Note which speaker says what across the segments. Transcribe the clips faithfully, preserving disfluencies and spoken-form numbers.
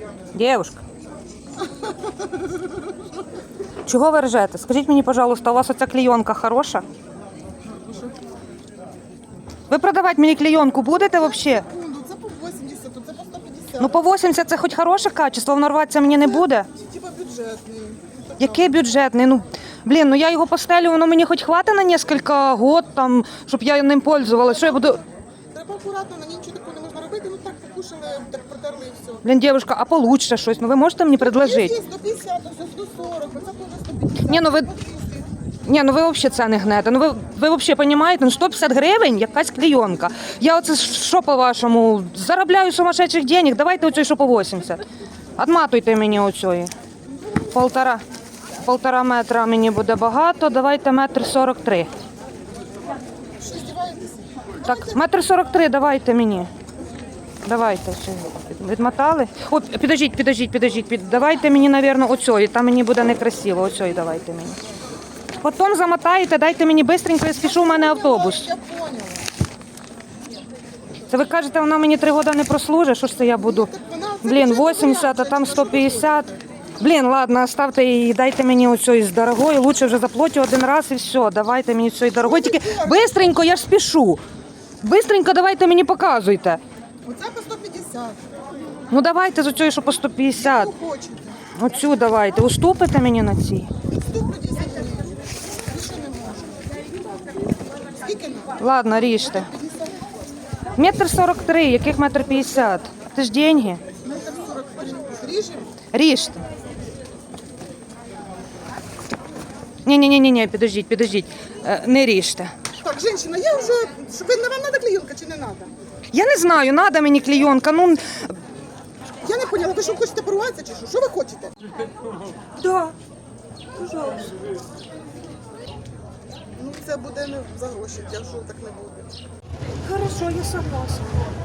Speaker 1: Дівушка. Чого ви ржете? Скажіть мені, пожалуйста, у вас оця клейонка хороша? Ви продавати мені клейонку будете взагалі?
Speaker 2: Це по вісімдесят, це по сто п'ятдесят.
Speaker 1: Ну по вісімдесят це хоч хороше качество, воно рватися мені не буде?
Speaker 2: Типа бюджетний.
Speaker 1: Який бюджетний? Ну, блін, ну я його постелю, воно мені хоч хватить на кілька років, там, щоб я ним пользувалася. Що я буду...
Speaker 2: Треба акуратно, на ній нічого такого не можна робити. Ну так покушали, так протерли і все.
Speaker 1: Блін, дівчинка, а получше щось? Ну ви можете мені предложити?
Speaker 2: Є сто п'ятдесят, все сто сорок, оце теж сто п'ятдесят.
Speaker 1: Ні, ну ви... Ні, ну ви взагалі це не гнете. Ну ви, ви взагалі розумієте, ну сто п'ятдесят гривень якась клейонка. Я оце що по-вашому, заробляю сумасшедших денег, давайте оцю, що по вісімдесят. Отматуйте мені оцю. Полтора, полтора метра мені буде багато, давайте метр сорок три.
Speaker 2: Що, здіваєтеся?
Speaker 1: Так, метр сорок три давайте мені. Давайте. Все. Відмотали? О, підождіть, підождіть, підождіть. Під... Давайте мені, мабуть, оцьої, там мені буде некрасиво. Оцьої давайте мені. Потім замотаєте, дайте мені швидко, я спішу, у мене автобус.
Speaker 2: Я поняла.
Speaker 1: Це ви кажете, вона мені три роки не прослужить? Що ж це я буду? Блін, вісімдесят, а там сто п'ятдесят. Блін, ладно, оставте її, дайте мені оцю з дорогою. Лучше вже заплатю один раз і все. Давайте мені цієї дорогої. Тільки швидко, я ж спішу. Бистренько давайте мені показуйте.
Speaker 2: Оце по сто п'ятдесят.
Speaker 1: Ну давайте з оцю, що по сто п'ятдесят.
Speaker 2: Що хочете?
Speaker 1: Оцю давайте. Уступите мені на цій?
Speaker 2: сто п'ятдесят гривень. Більше не можу. Скільки не?
Speaker 1: Ладно, ріжте. Метр сорок три, яких метр п'ятдесят? Це ж деньги.
Speaker 2: Метр сорок три. Ріжемо?
Speaker 1: Ріжте. Ні-ні-ні, підождіть, підождіть. Е, Не ріжте.
Speaker 2: Так, жінка, я вже... Щоб ви- вам треба клейонка чи не треба?
Speaker 1: Я не знаю, надо мені клейонка. Ну,
Speaker 2: Я не поняла, ви що хочете порватися чи що? Що ви хочете?
Speaker 1: да. Пожалуйста.
Speaker 2: Ну це буде не за гроші, якщо так не буде.
Speaker 1: Хорошо, я согласна.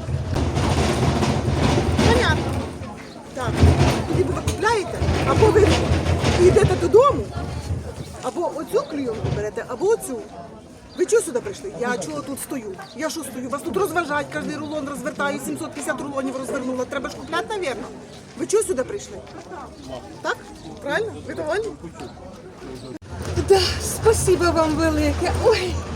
Speaker 2: Понятно. Так, тоді ви купляєте, або ви йдете додому, або оцю клейонку берете, або оцю. Ви чого сюди прийшли? Я чого тут стою? Я що стою? Вас тут розважають, кожен рулон розвертаю, сімсот п'ятдесят рулонів розвернула. Треба ж купляти, мабуть. Ви чого сюди прийшли? Так? Правильно? Ви довольні?
Speaker 1: Да, спасибо вам велике. Ой.